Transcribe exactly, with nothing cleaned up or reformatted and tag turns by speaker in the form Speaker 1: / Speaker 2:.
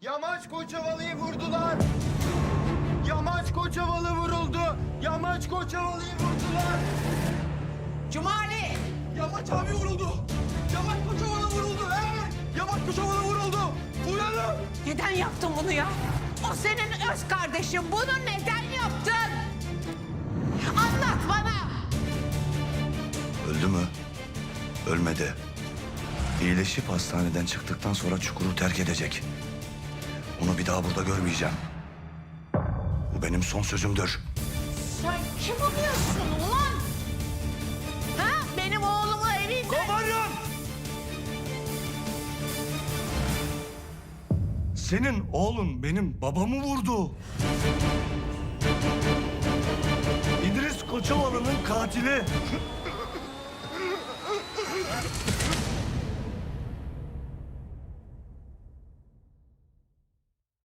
Speaker 1: Yamaç Koçovalı'yı vurdular. Yamaç Koçovalı vuruldu. Yamaç Koçovalı'yı vurdular.
Speaker 2: Cumali!
Speaker 1: Yamaç abi vuruldu. Yamaç Koçovalı vuruldu. Evet. Yamaç Koçovalı vuruldu. Uyanın.
Speaker 2: Neden yaptın bunu ya? O senin öz kardeşin. Bunu neden yaptın? Anlat bana!
Speaker 3: Öldü mü? Ölmedi. İyileşip hastaneden çıktıktan sonra çukuru terk edecek. Onu bir daha burada görmeyeceğim. Bu benim son sözümdür.
Speaker 2: Sen kim oluyorsun ulan? Ha? Benim oğlumu evinde...
Speaker 3: Komutanım! Senin oğlun benim babamı vurdu. İdris Koçovalı'nın katili.